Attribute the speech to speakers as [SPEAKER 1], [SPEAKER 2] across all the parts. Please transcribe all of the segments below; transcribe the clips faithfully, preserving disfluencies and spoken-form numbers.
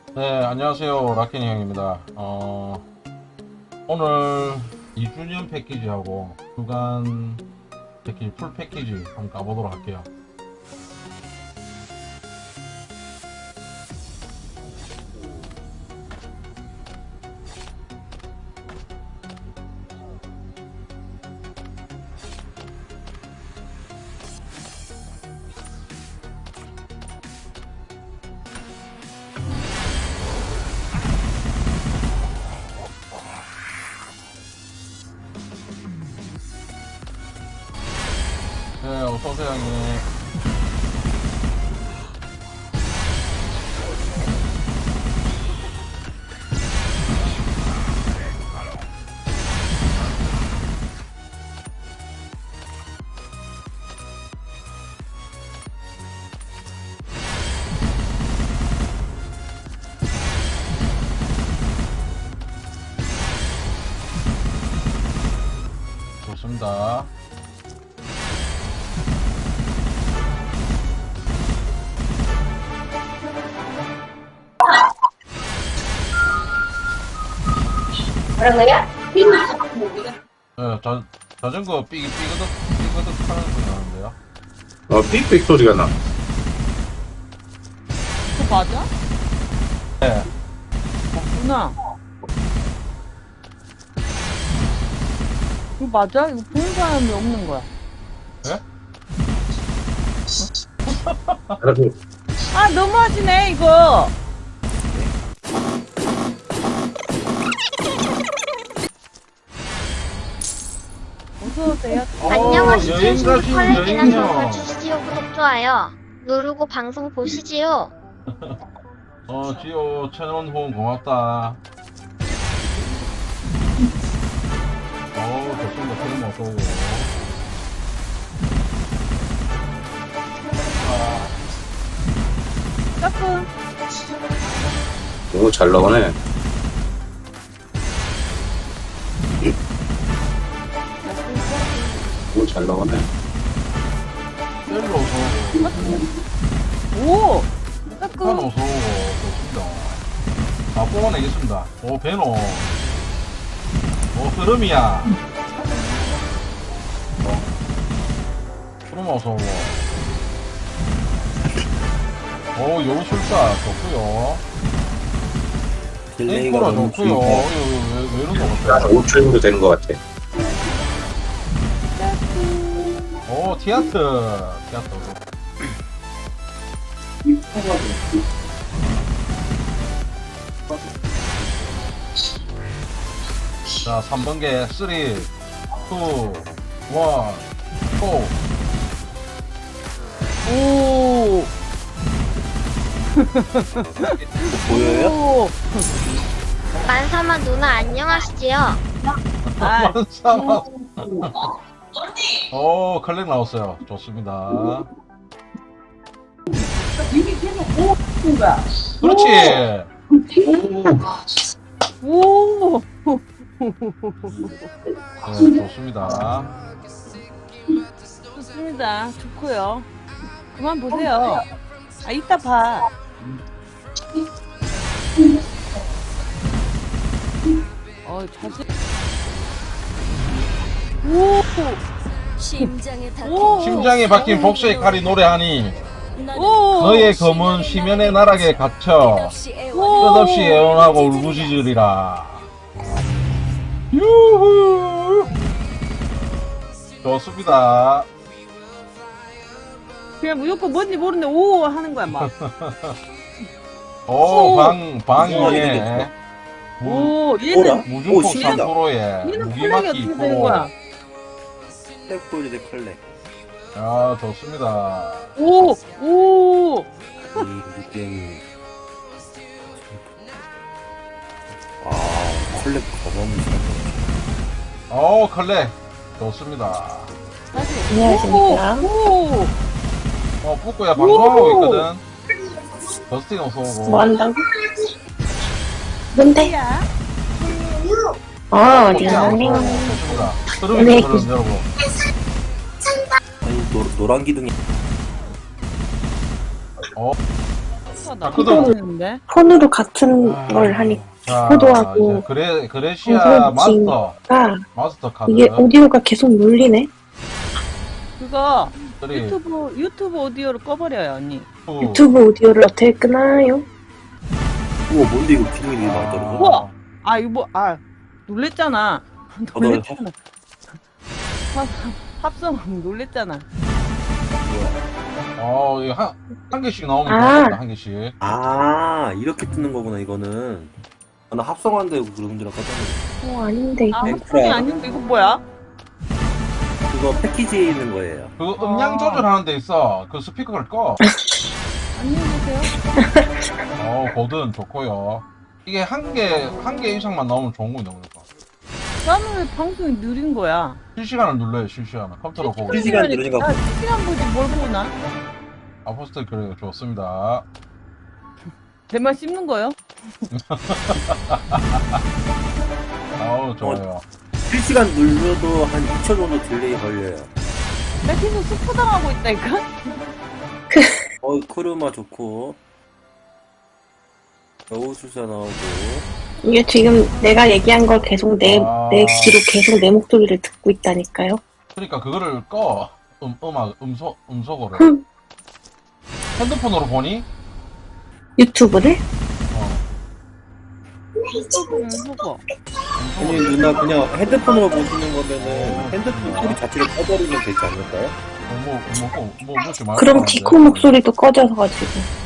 [SPEAKER 1] 네, 안녕하세요. 라켄이 형입니다. 어, 오늘 이 주년 패키지하고 주간 패키지, 풀 패키지 한번 가보도록 할게요. 네, 어서오세요, 형님. 좋습니다.
[SPEAKER 2] 뭐라고요?
[SPEAKER 1] 네, 자, 자전거 삐기 삐그덕 삐그덕 하는 소리 나는데요.
[SPEAKER 3] 어, 삑삑 소리가 나.
[SPEAKER 4] 그거 맞아?
[SPEAKER 1] 네,
[SPEAKER 4] 누나. 이거 맞아? 이거 보는 사람이 없는 거야.
[SPEAKER 1] 네?
[SPEAKER 3] 알아서
[SPEAKER 4] 아, 너무하시네, 이거. 어서오세요.
[SPEAKER 1] 어,
[SPEAKER 2] 안녕하시죠.
[SPEAKER 1] 여행 가신
[SPEAKER 2] 컬렉이나
[SPEAKER 1] 여행요.
[SPEAKER 2] 정보 주시지요. 구독, 좋아요 누르고 방송 보시지요.
[SPEAKER 1] 어, 지호 채널 후원 고맙다. 어, 좋습니다. film 어서오고.
[SPEAKER 4] 조금.
[SPEAKER 3] 너무 잘 나오네. 너무 잘 나오네.
[SPEAKER 1] 셀로 어서오고.
[SPEAKER 4] 오!
[SPEAKER 1] 북한
[SPEAKER 4] 조금.
[SPEAKER 1] 어서오고. 좋습니다. 아, 뽑아내겠습니다. 오, 베노. 오, 흐름이야. 어, 흐름 어서오고. 오, 여우술사 좋구요. 땡코라 좋구요. 이거 왜, 왜 이런 거
[SPEAKER 3] 한
[SPEAKER 1] 같아요?
[SPEAKER 3] 오 초 정도 되는 것 같아.
[SPEAKER 1] 오, 티아트. 티아트. 자, 삼 번개. 삼, 이, 일, 사.
[SPEAKER 4] 오!
[SPEAKER 3] 보여요?
[SPEAKER 4] 오!
[SPEAKER 2] 만사만 누나 안녕하시지요.
[SPEAKER 4] 아,
[SPEAKER 1] 만사만. 오, 컬렉 나왔어요. 좋습니다. 그렇지.
[SPEAKER 4] 오!
[SPEAKER 1] 네, 좋습니다.
[SPEAKER 4] 좋습니다. 좋고요. 그만 보세요. 아, 이따 봐. 어, 자세. 오!
[SPEAKER 5] 심장에 닿
[SPEAKER 4] 오!
[SPEAKER 1] 심장에 박힌 복수의 칼이 노래하니
[SPEAKER 4] 오!
[SPEAKER 1] 너의 검은 심연의 나락에 갇혀
[SPEAKER 4] 오!
[SPEAKER 1] 끝없이 애원하고 울부짖으리라. 유후. 좋습니다.
[SPEAKER 4] 그냥 무조건 뭔지 모르는데 오 하는 거야 막.
[SPEAKER 1] 오,
[SPEAKER 4] 오.
[SPEAKER 1] 방, 방위에 무,
[SPEAKER 4] 오 얘는
[SPEAKER 1] 무중폭
[SPEAKER 3] 신기하다.
[SPEAKER 1] 삼 퍼센트에
[SPEAKER 4] 얘는 컬렉이
[SPEAKER 1] 무기막기
[SPEAKER 4] 어떻게 되는 거야?
[SPEAKER 1] 이 퍼센트.
[SPEAKER 3] 컬렉 보여줘, 컬렉.
[SPEAKER 1] 아, 좋습니다.
[SPEAKER 4] 오 오.
[SPEAKER 3] 이 게임. 아, 컬렉 가방.
[SPEAKER 1] 오, 컬렉. 좋습니다.
[SPEAKER 4] 다시.
[SPEAKER 2] 안녕하십니까.
[SPEAKER 4] 오.
[SPEAKER 1] 어, 뿌꾸야 방송하고 있거든. 더스틴 어서오고.
[SPEAKER 2] 뭐 한다고? 뭔데?
[SPEAKER 4] 야.
[SPEAKER 2] 어,
[SPEAKER 1] 좋습니다.
[SPEAKER 2] 안녕.
[SPEAKER 1] 흐름이
[SPEAKER 2] 네.
[SPEAKER 1] 흐름 여러분.
[SPEAKER 3] 아니, 노, 노란 기둥이.
[SPEAKER 1] 어,
[SPEAKER 4] 나
[SPEAKER 1] 그거-
[SPEAKER 4] 했는데.
[SPEAKER 6] 폰으로 같은
[SPEAKER 1] 아,
[SPEAKER 6] 걸 하니까
[SPEAKER 1] 자,
[SPEAKER 6] 코드하고
[SPEAKER 1] 이제 그레, 그레시아
[SPEAKER 6] 방송
[SPEAKER 1] 마스터, 마스터 카드.
[SPEAKER 6] 이게 오디오가 계속 눌리네.
[SPEAKER 4] 그거
[SPEAKER 1] 쓰리,
[SPEAKER 4] 유튜브 유튜브 오디오를 꺼버려요 언니.
[SPEAKER 1] 투,
[SPEAKER 6] 유튜브 오디오를 어떻게 끄나요?
[SPEAKER 3] 우와, 뭔데 이거 기능이 되게 많다는
[SPEAKER 1] 아,
[SPEAKER 3] 거?
[SPEAKER 4] 우와! 아 이거 뭐, 아 놀랬잖아. 놀랬잖아. 합, 합성 놀랬잖아.
[SPEAKER 1] 어, 이거 한, 한 개씩 나오면
[SPEAKER 6] 아.
[SPEAKER 1] 되겠다, 한 개씩.
[SPEAKER 3] 아, 이렇게 뜨는 거구나, 이거는. 아, 나 합성한다고 그런 줄 알았거든.
[SPEAKER 6] 어 아닌데.
[SPEAKER 4] 아
[SPEAKER 3] 맹크라.
[SPEAKER 4] 합성이 아닌데 이거 뭐야?
[SPEAKER 3] 그거 패키지에 있는 거예요.
[SPEAKER 1] 그 음량
[SPEAKER 4] 아.
[SPEAKER 1] 조절하는 데 있어. 그 스피커를 꺼.
[SPEAKER 4] 안녕히 계세요.
[SPEAKER 1] 어, 거든 좋고요. 이게 한 개, 한 개 이상만 나오면 좋은 거냐, 그러니까.
[SPEAKER 4] 나는 왜 방송이 느린 거야?
[SPEAKER 1] 실시간을 눌러요, 실시간을. 컴퓨터로 보고.
[SPEAKER 3] 실시간 누르니까
[SPEAKER 4] 아, 실시간 보지 뭘 보고 나?
[SPEAKER 1] 아포스트 그래, 좋습니다.
[SPEAKER 4] 내 말 씹는 거요?
[SPEAKER 1] 아우, 좋아요.
[SPEAKER 3] 실시간 눌러도 한 이 초 정도 딜레이 걸려요.
[SPEAKER 4] 나 계속 스포당하고 있다니까?
[SPEAKER 3] 어, 크루마 좋고. 여우수사 나오고.
[SPEAKER 6] 이게 지금 내가 얘기한 걸 계속 내,
[SPEAKER 1] 아.
[SPEAKER 6] 내 귀로 계속 내 목소리를 듣고 있다니까요.
[SPEAKER 1] 그러니까 그거를 꺼. 음, 음악, 음소, 음소거를.
[SPEAKER 6] 흠.
[SPEAKER 1] 핸드폰으로 보니?
[SPEAKER 6] 유튜브를?
[SPEAKER 1] 어.
[SPEAKER 4] 음, 그거.
[SPEAKER 3] 아니, 누나 그냥 핸드폰으로 보시는 거면은 핸드폰 소리 자체를 꺼버리면 되지 않을까요?
[SPEAKER 1] 뭐, 뭐, 뭐, 뭐, 뭐, 뭐,
[SPEAKER 6] 그럼 디코 목소리도 꺼져서 가지고.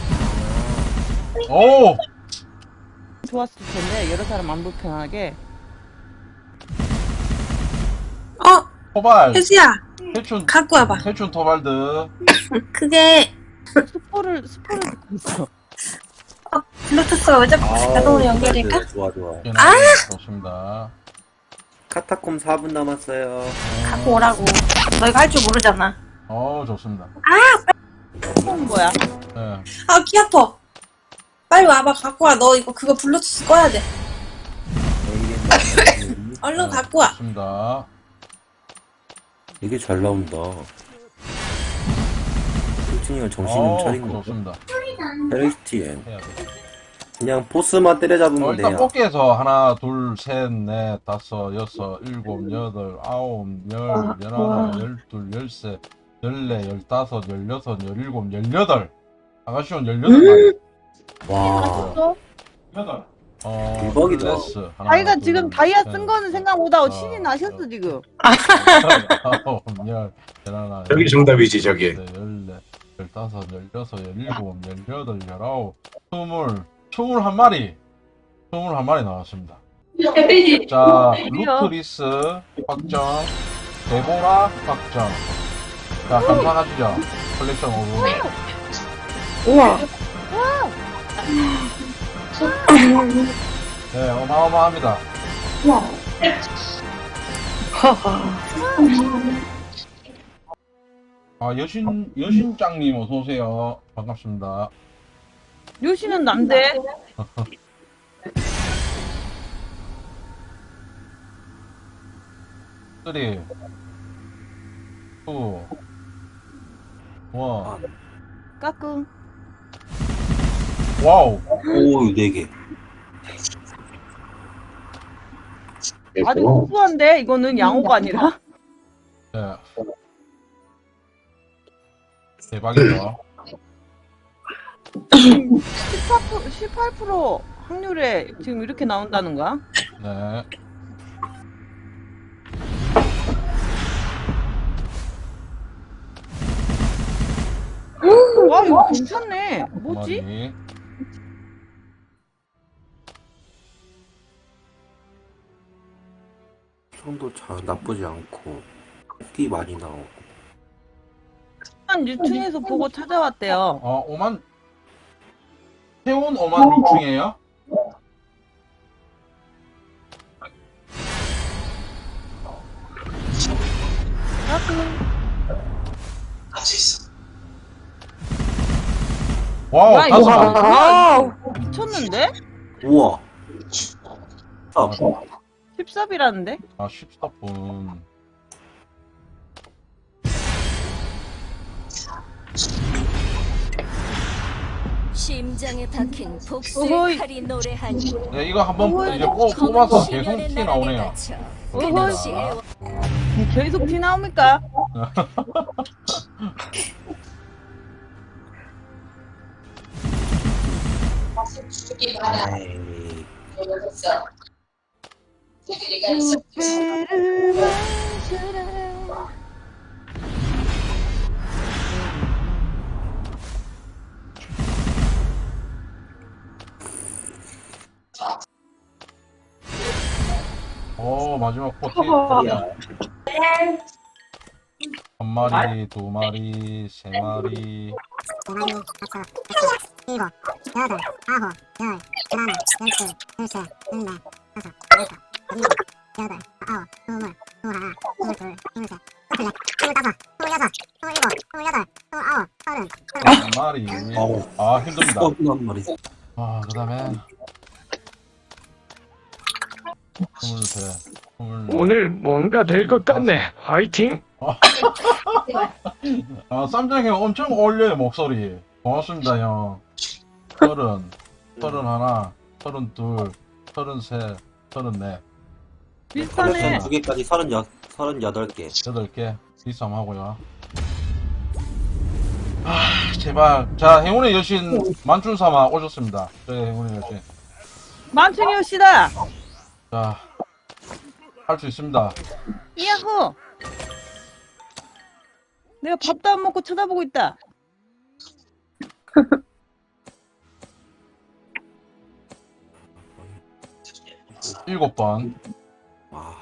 [SPEAKER 1] 오!
[SPEAKER 4] 좋았을 텐데 여러 사람 안 불편하게.
[SPEAKER 7] 어,
[SPEAKER 1] 토발.
[SPEAKER 7] 혜수야,
[SPEAKER 1] 해춘,
[SPEAKER 7] 갖고 와봐.
[SPEAKER 1] 해춘 토발드.
[SPEAKER 7] 그게
[SPEAKER 4] 스포를 스포를 듣고 있어.
[SPEAKER 7] 블루투스가 왜 자꾸 자동으로 연결될까?
[SPEAKER 3] 네, 좋아, 좋아.
[SPEAKER 1] 아! 좋습니다.
[SPEAKER 3] 카타콤 사 분 남았어요.
[SPEAKER 7] 갖고 오라고. 너 이거 할 줄 모르잖아.
[SPEAKER 1] 어, 좋습니다.
[SPEAKER 4] 스포는 뭐야?
[SPEAKER 1] 네.
[SPEAKER 7] 아, 귀 아파. 빨리 와봐, 갖고 와. 너 이거 그거 블루투스 꺼야 돼. 얼른 갖고 와.
[SPEAKER 1] 좋습니다.
[SPEAKER 3] 되게 잘 나온다. 솔직히 정신 좀
[SPEAKER 1] 어,
[SPEAKER 3] 차린 거.
[SPEAKER 1] 좋습니다.
[SPEAKER 3] 헬스티엔.
[SPEAKER 1] 해야 돼.
[SPEAKER 3] 그냥 보스만 때려잡으면
[SPEAKER 1] 어, 일단
[SPEAKER 3] 돼요.
[SPEAKER 1] 뽑기에서 하나, 둘, 셋, 넷, 다섯, 여섯, 일곱, 여덟, 아홉, 열,
[SPEAKER 6] 아,
[SPEAKER 1] 열하나,
[SPEAKER 6] 와.
[SPEAKER 1] 열둘, 열세, 열네, 열다섯, 열여섯, 열일곱, 열여덟. 아가씨온 열여덟 마리.
[SPEAKER 3] 와,
[SPEAKER 4] 맞췄어?
[SPEAKER 1] 여덟. 어,
[SPEAKER 3] 대박이다.
[SPEAKER 1] 클래스. 하나,
[SPEAKER 4] 자기가
[SPEAKER 1] 둘,
[SPEAKER 4] 지금 다이아
[SPEAKER 1] 셋,
[SPEAKER 4] 쓴 거는 생각 못하고
[SPEAKER 1] 아,
[SPEAKER 4] 신이 나셨어 지금.
[SPEAKER 1] 아홉, 열, 열하나,
[SPEAKER 8] 저기 정답이지, 저기.
[SPEAKER 1] 열네, 열다섯, 열여섯, 열일곱, 열여덟, 열아홉, 스물, 스물한 마리. 스물한 마리 나왔습니다. 자, 루크리스 확정, 데보라 확정. 자, 감상하시죠. 컬렉션 오브.
[SPEAKER 6] 우와.
[SPEAKER 1] 네, 어마어마합니다.
[SPEAKER 6] 하하.
[SPEAKER 1] 아, 여신, 여신짱님 어서오세요. 반갑습니다.
[SPEAKER 4] 요시는 남대.
[SPEAKER 1] 쓰리, 투, 원.
[SPEAKER 4] 까꿍.
[SPEAKER 1] 와우.
[SPEAKER 3] 오, 네 개.
[SPEAKER 4] 아주 우수한데 이거는 양호가 아니라.
[SPEAKER 1] 네. 대박이죠.
[SPEAKER 4] 십팔 퍼센트, 십팔 퍼센트 확률에 지금 이렇게 나온다는 거야?
[SPEAKER 1] 네.
[SPEAKER 4] 와 이거 괜찮네. 뭐지?
[SPEAKER 1] 마리.
[SPEAKER 3] 성도 잘 나쁘지 않고 띠 많이 나오고.
[SPEAKER 4] 한 유튜브에서 보고 찾아왔대요.
[SPEAKER 1] 어, 오만. 태운 오만 육중이에요? 와우,
[SPEAKER 4] 와,
[SPEAKER 1] 다섯
[SPEAKER 4] 이거
[SPEAKER 1] 마리.
[SPEAKER 6] 와우.
[SPEAKER 4] 미쳤는데?
[SPEAKER 3] 우와. 아,
[SPEAKER 4] 십삽이라는데?
[SPEAKER 1] 아, 십사 분.
[SPEAKER 5] 심장에 박힌
[SPEAKER 4] 어허이.
[SPEAKER 5] 복수의 칼이 노래하니
[SPEAKER 1] 네, 이거 한번
[SPEAKER 4] 어허이.
[SPEAKER 1] 이제 꼭 뽑아서 계속 티 나오네요.
[SPEAKER 4] 어허이. 계속 티 나옵니까?
[SPEAKER 3] 아이,
[SPEAKER 1] 오, 마지막 포티.
[SPEAKER 3] 야,
[SPEAKER 1] 한 마리, 두 마리, 세 마리. 한 마리.
[SPEAKER 3] 어우.
[SPEAKER 1] 아, 힘듭니다.
[SPEAKER 3] 뻔한 말이.
[SPEAKER 1] 아, 그 다음에. 스물셋, 스물.
[SPEAKER 8] 오늘 뭔가 될 것 같네. 화이팅!
[SPEAKER 1] 아, 쌈장 형 엄청 어울려요, 목소리. 고맙습니다, 형. 서른, 서른 하나, 서른 둘, 서른 셋, 서른 넷,
[SPEAKER 4] 비슷하네.
[SPEAKER 3] 컬렉션 두 개까지 서른여, 서른여덟 개.
[SPEAKER 1] 여덟 개. 비쌈 하고요. 아, 제발. 자, 행운의 여신 만춘삼아 오셨습니다. 네, 행운의 여신.
[SPEAKER 4] 만춘이 오시다.
[SPEAKER 1] 자, 할 수 있습니다.
[SPEAKER 4] 야호. 내가 밥도 안 먹고 쳐다보고 있다.
[SPEAKER 1] 일곱 번.
[SPEAKER 3] 와,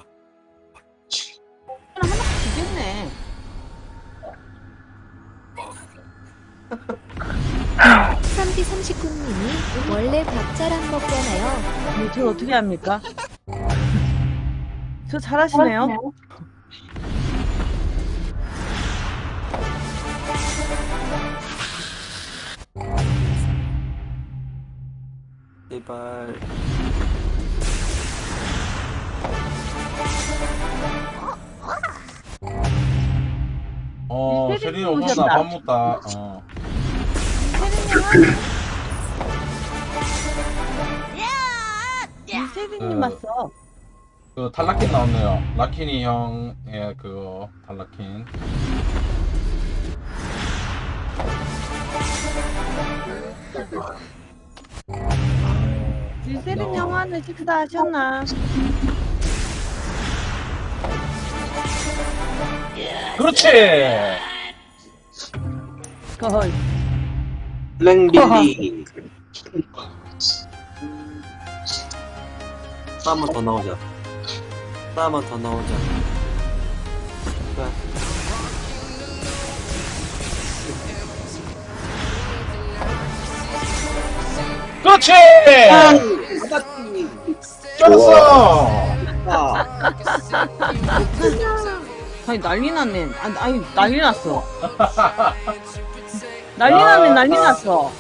[SPEAKER 4] 하나 주겠네.
[SPEAKER 9] 삼디 삼십구 님이 원래 밥 잘 안 먹잖아요.
[SPEAKER 4] 네, 저 어떻게 합니까? 저 잘하시네요.
[SPEAKER 3] 제발.
[SPEAKER 1] 어,
[SPEAKER 4] 세린이
[SPEAKER 1] 세린이 오셨나?
[SPEAKER 4] 오셨다.
[SPEAKER 1] 밥 먹다. 어.
[SPEAKER 4] 이세빈님
[SPEAKER 1] 그-
[SPEAKER 4] 왔어.
[SPEAKER 1] 그 탈라킨 나왔네요. 라키니 형의 그 탈라킨.
[SPEAKER 4] 이세빈 영화는 식사하셨나?
[SPEAKER 1] 그렇지.
[SPEAKER 4] 거의.
[SPEAKER 3] 블랙빌리. 또 한 번 더 나오자. 또 한 번 더 나오자. 제발.
[SPEAKER 1] 그렇지.
[SPEAKER 3] 받았지.
[SPEAKER 1] 쩔었어.
[SPEAKER 3] 아,
[SPEAKER 4] 아니 난리 났네. 아니, 아니 난리 났어. 난리 났네. 난리 났어.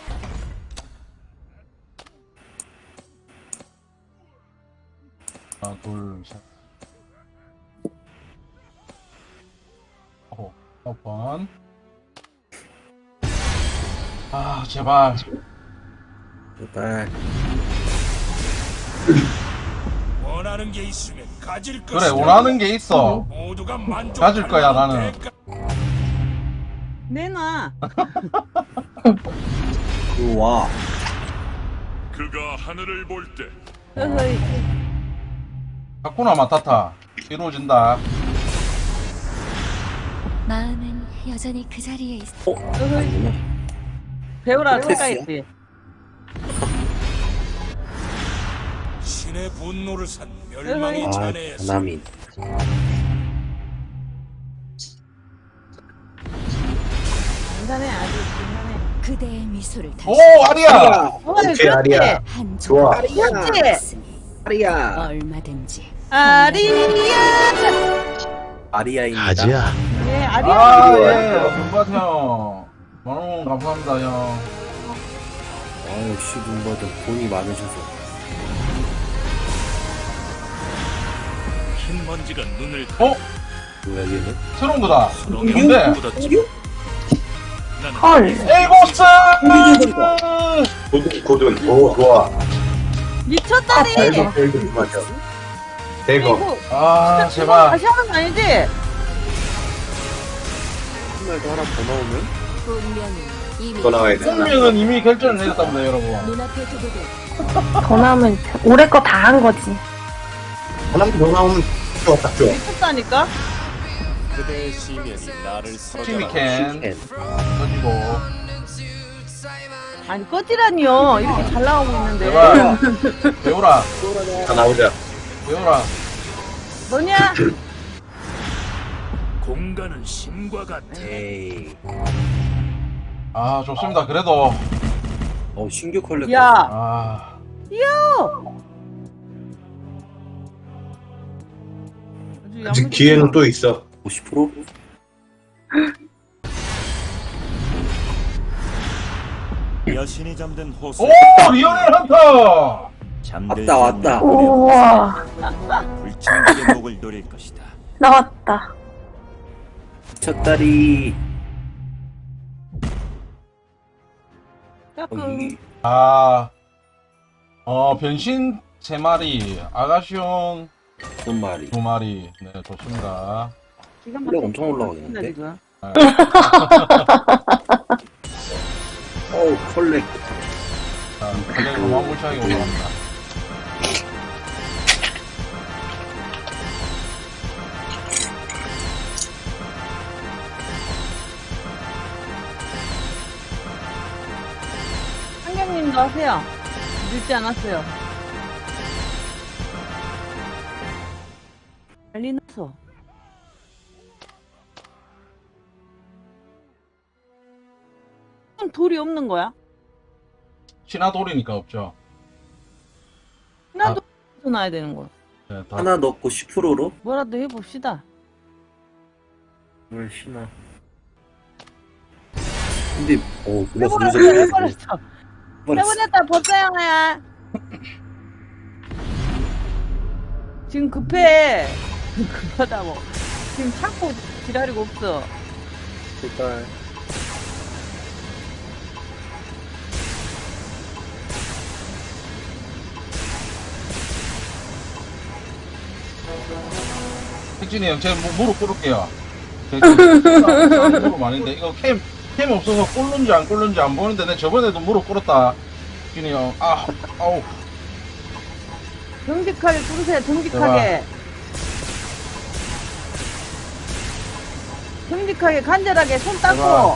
[SPEAKER 1] 하나, 둘, 셋. 어, 몇 번. 아, 제발.
[SPEAKER 3] 제발.
[SPEAKER 10] 원하는 게 있으면 가질
[SPEAKER 1] 그래,
[SPEAKER 10] 것이다.
[SPEAKER 1] 원하는 게 있어.
[SPEAKER 10] 모두가 만족.
[SPEAKER 1] 가질 거야, 나는.
[SPEAKER 4] 내놔.
[SPEAKER 3] 우와.
[SPEAKER 10] 그가 하늘을 볼 때
[SPEAKER 4] 어허이.
[SPEAKER 1] 하쿠나 마타타. 이루어진다.
[SPEAKER 9] 마음은 여전히 그 자리에 있어.
[SPEAKER 4] 어허이. 배우라 착각했지.
[SPEAKER 10] 신의 분노를 산 멸망의
[SPEAKER 3] 아,
[SPEAKER 10] 잔해에서
[SPEAKER 3] 전남인.
[SPEAKER 4] 괜찮네. 아주 괜찮네.
[SPEAKER 5] 그대의 미소를 다시
[SPEAKER 1] 오, 아리야.
[SPEAKER 4] 어이, 그렇지.
[SPEAKER 5] 한
[SPEAKER 3] 좋아.
[SPEAKER 4] 그렇지.
[SPEAKER 3] 아리야.
[SPEAKER 5] 얼마든지
[SPEAKER 4] 아리야.
[SPEAKER 3] 아리아입니다.
[SPEAKER 4] 네,
[SPEAKER 1] 아,
[SPEAKER 4] 아리야.
[SPEAKER 1] 예. 금밭 형. 만원 감사합니다, 형.
[SPEAKER 3] 아, 역시 눈버든 돈이 많으셔서.
[SPEAKER 10] 흰 먼지가 눈을
[SPEAKER 1] 어?
[SPEAKER 3] 뭐야, 얘는?
[SPEAKER 1] 새로운 거다.
[SPEAKER 10] 수렁에
[SPEAKER 1] 뭔데?
[SPEAKER 10] 묻었지.
[SPEAKER 6] 헐.
[SPEAKER 1] 에이고스!
[SPEAKER 3] 고든 고든 오 좋아.
[SPEAKER 4] 미쳤다니.
[SPEAKER 3] 대거 대거 맞아. 대거.
[SPEAKER 4] 이거
[SPEAKER 1] 아, 제발.
[SPEAKER 4] 다시 하는 거 아니지?
[SPEAKER 3] 정말도 하나 더 나오면
[SPEAKER 5] 운명은 이미
[SPEAKER 3] 더 나와야 돼.
[SPEAKER 1] 운명은 이미 결정을 내렸답니다, 여러분.
[SPEAKER 5] 눈앞에 두고도
[SPEAKER 6] 더 나오면 올해 거 다 한 거지.
[SPEAKER 3] 하나 더 나오면 좋아 딱 좋아.
[SPEAKER 4] 미쳤다니까?
[SPEAKER 10] 그대의 시면이 나를
[SPEAKER 1] 티미캔
[SPEAKER 3] 캔.
[SPEAKER 1] 던지고.
[SPEAKER 4] 아니 꺼지라니요. 이렇게 잘 나오고 있는데.
[SPEAKER 1] 제발. 배우라,
[SPEAKER 3] 다 나오자.
[SPEAKER 1] 배우라.
[SPEAKER 4] 너냐?
[SPEAKER 10] 공간은 신과 같아.
[SPEAKER 3] 에이.
[SPEAKER 1] 아, 좋습니다. 그래도.
[SPEAKER 3] 어 신규 컬렉터.
[SPEAKER 4] 야.
[SPEAKER 1] 아,
[SPEAKER 4] 아주
[SPEAKER 3] 아직
[SPEAKER 4] 야무지다.
[SPEAKER 3] 기회는 또 있어. 오십 퍼센트?
[SPEAKER 10] 여신이 잠든 호수.
[SPEAKER 1] 오! 리오넬 헌터!
[SPEAKER 3] 왔다 왔다.
[SPEAKER 6] 우와.
[SPEAKER 10] 불청객의 목을 노릴 것이다.
[SPEAKER 6] 나왔다.
[SPEAKER 3] 첫다리. 어,
[SPEAKER 4] 조금.
[SPEAKER 3] 이
[SPEAKER 1] 아, 어, 변신 세 마리, 아가시온
[SPEAKER 3] 두 마리.
[SPEAKER 1] 두 마리. 네, 좋습니다.
[SPEAKER 4] 기가
[SPEAKER 3] 컬렉
[SPEAKER 4] 막히게
[SPEAKER 3] 엄청 올라가겠는데?
[SPEAKER 4] 지금.
[SPEAKER 3] 어우 컬렉.
[SPEAKER 1] 자, 블랙 어마무시하게 올라갑니다.
[SPEAKER 4] 한경님도 하세요. 늦지 않았어요. 빨리 넣어서. 그럼 돌이 없는 거야?
[SPEAKER 1] 신화돌이니까 없죠.
[SPEAKER 4] 나도 놔야 되는 거야.
[SPEAKER 1] 네, 다.
[SPEAKER 3] 하나 넣고 십 퍼센트로?
[SPEAKER 4] 뭐라도 해봅시다.
[SPEAKER 3] 뭘 신나. 근데 어 그거
[SPEAKER 4] 해버렸어,
[SPEAKER 3] 분석
[SPEAKER 4] 해버렸어. 해버렸다, 법사야, 하야. 지금 급해. 급하다고. 지금 찾고 기다리고 없어.
[SPEAKER 3] 색깔.
[SPEAKER 1] 혁진이 형, 제가 무- 무릎 꿇을게요. 제가 지금 무릎 아닌데, 이거 캠, 캠 없어서 꿇는지 안 꿇는지 안 보는데, 내 저번에도 무릎 꿇었다. 혁진이 형, 아, 아우.
[SPEAKER 4] 정직하게 꿇으세요, 정직하게. 정직하게, 간절하게 손
[SPEAKER 1] 제발.
[SPEAKER 4] 닦고.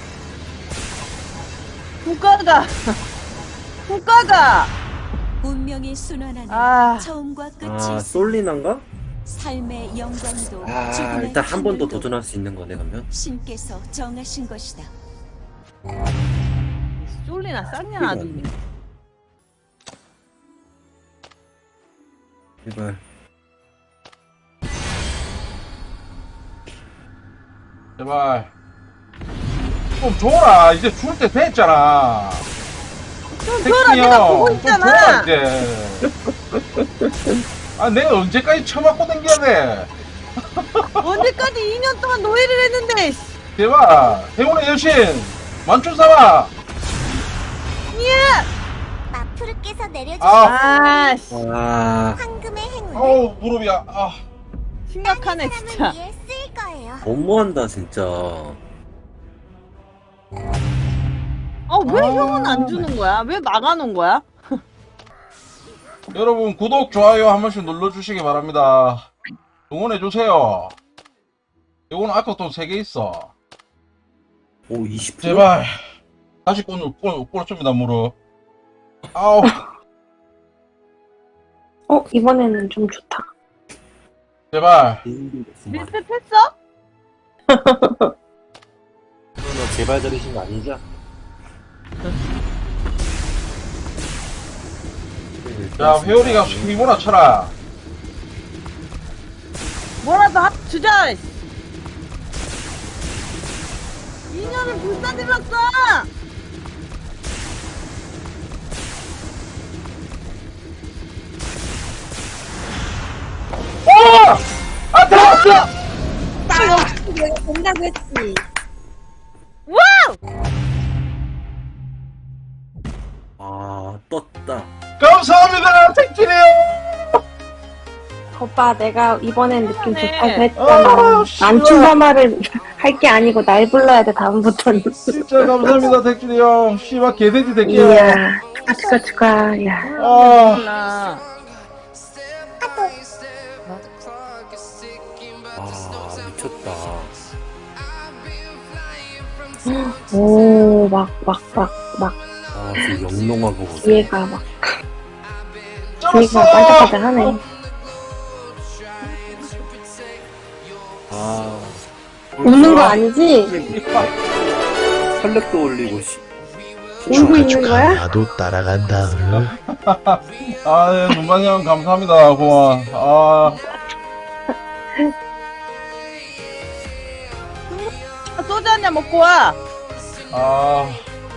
[SPEAKER 4] 국가가. 국가가.
[SPEAKER 5] 운명이 순환하는
[SPEAKER 4] 아.
[SPEAKER 5] 처음과 끝이
[SPEAKER 3] 아
[SPEAKER 5] 있어.
[SPEAKER 3] 솔리난가?
[SPEAKER 5] 삶의 영광도
[SPEAKER 3] 아
[SPEAKER 5] 죽음의
[SPEAKER 3] 일단 한 번 더
[SPEAKER 5] 하늘도
[SPEAKER 3] 도전할 수 있는 거네 그러면.
[SPEAKER 5] 신께서 정하신 것이다.
[SPEAKER 4] 쫄리나 쌍냐, 아주.
[SPEAKER 3] 제발.
[SPEAKER 1] 제발. 좀 줘라. 이제 줄 때 됐잖아.
[SPEAKER 4] 좀 줘라, 내가 보고
[SPEAKER 1] 좀 줘라,
[SPEAKER 4] 있잖아.
[SPEAKER 1] 이제. 아, 내가 언제까지 처맞고 댕겨야 돼?
[SPEAKER 4] 언제까지 이 년 동안 노예를 했는데, 씨.
[SPEAKER 1] 제발. 행운의 여신. 만춘 삼아.
[SPEAKER 4] 예!
[SPEAKER 2] 마푸르께서 내려주신
[SPEAKER 1] 아,
[SPEAKER 4] 아, 씨.
[SPEAKER 3] 아
[SPEAKER 2] 황금의 행운을
[SPEAKER 1] 어우, 무릎이야. 아.
[SPEAKER 4] 심각하네,
[SPEAKER 2] 사람을
[SPEAKER 4] 진짜.
[SPEAKER 2] 위해 쓸 거예요.
[SPEAKER 3] 너무한다 진짜.
[SPEAKER 4] 어, 왜
[SPEAKER 1] 아.
[SPEAKER 4] 형은 안 주는 거야? 왜 막아놓은 거야?
[SPEAKER 1] 여러분, 구독, 좋아요 한 번씩 눌러주시기 바랍니다. 응원해주세요. 이거는 아까 또 세 개 있어.
[SPEAKER 3] 오 이십 퍼센트?
[SPEAKER 1] 제발. 다시 꽂, 꽂, 꽂습니다, 무릎. 아우.
[SPEAKER 6] 어, 이번에는 좀 좋다.
[SPEAKER 1] 제발.
[SPEAKER 4] 리셋했어?
[SPEAKER 3] 그러면 제발 들으신 거 아니죠?
[SPEAKER 1] 자, 회오리가 숨이 몰아쳐라.
[SPEAKER 4] 뭐라도 합 주자. 이 년을 불사질렀어.
[SPEAKER 1] 오! 아, 들어왔어!
[SPEAKER 7] 나 역시 내가 된다고 했지.
[SPEAKER 4] 와우!
[SPEAKER 3] 아, 떴다.
[SPEAKER 1] 감사합니다, 택진이 형!
[SPEAKER 6] 오빠 내가 이번엔 느낌
[SPEAKER 4] 네.
[SPEAKER 6] 좋다고
[SPEAKER 1] 아,
[SPEAKER 6] 했잖아.
[SPEAKER 1] 씨발.
[SPEAKER 6] 안 출마말을 할 게 아니고 날 불러야 돼 다음부터는.
[SPEAKER 1] 진짜 감사합니다, 택진이 형. 씨발, 개돼지 새끼야.
[SPEAKER 6] 이야 축하 축하 축하. 야.
[SPEAKER 1] 아,
[SPEAKER 4] 몰라.
[SPEAKER 3] 아, 미쳤다.
[SPEAKER 6] 오 막 막 막 막
[SPEAKER 3] 아, 지금 영롱한 거 보세요.
[SPEAKER 6] 뒤에가 막
[SPEAKER 1] 쩔었어!
[SPEAKER 6] 뒤에가 반짝반짝하네.
[SPEAKER 3] 아,
[SPEAKER 6] 웃는 거 아니지?
[SPEAKER 3] 혈력도 올리고, 씨.
[SPEAKER 6] 울고 있는 거야?
[SPEAKER 8] 나도 따라간다.
[SPEAKER 1] 아, 예, 눈반이 형 감사합니다, 고마워. 아,
[SPEAKER 4] 소주 한 잔 먹고 와.
[SPEAKER 1] 아,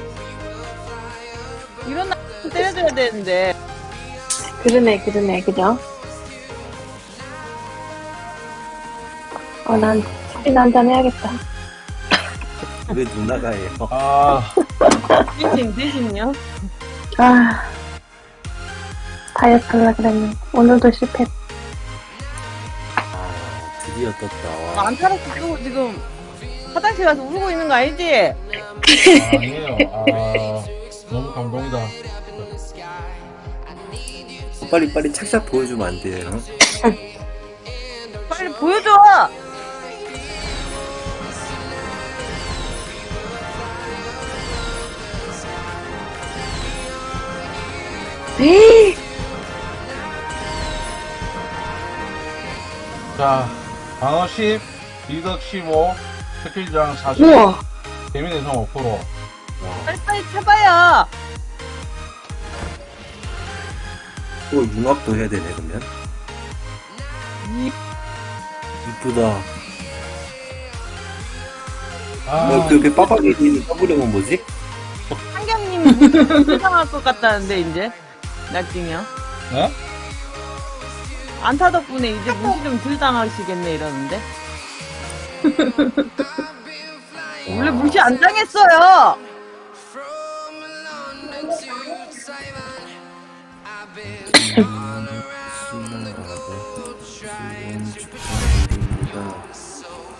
[SPEAKER 4] 이런 날 때려줘야 되는데.
[SPEAKER 6] 그러네 그러네 그죠? 어난 커피나 한잔 해야겠다.
[SPEAKER 3] 왜 누나가 해요?
[SPEAKER 1] 아,
[SPEAKER 4] 대신, 대신요.
[SPEAKER 6] 아 다이어트 하려 그랬는데 오늘도 실패.
[SPEAKER 3] 아, 드디어 떴다. 와.
[SPEAKER 4] 안타를 쓰고 지금 화장실 가서 울고 있는 거 아니지?
[SPEAKER 1] 아니에요. 아, 너무 감동이다.
[SPEAKER 3] 빨리 빨리 착샷 보여주면 안 돼요?
[SPEAKER 4] 빨리 보여줘.
[SPEAKER 6] 에이,
[SPEAKER 1] 자, 방어 십, 리덕 십오, 스킬장 사십,
[SPEAKER 6] 우와
[SPEAKER 1] 데미내성 오 퍼센트.
[SPEAKER 4] 빨리빨리 쳐봐요.
[SPEAKER 3] 또 융합도 해야 되네, 그러면.
[SPEAKER 4] 이-
[SPEAKER 3] 이쁘다.
[SPEAKER 1] 아,
[SPEAKER 3] 어, 그, 그 빠박이 있는 서브령은 뭐지?
[SPEAKER 4] 한경님이 무슨 불쌍할 것 같다는데 이제 나중에요.
[SPEAKER 1] 네?
[SPEAKER 4] 안타 덕분에 이제 무시 좀 덜 당하시겠네 이러는데. 원래 무시 안 당했어요.
[SPEAKER 3] 신나라고 지원 축하드립니다.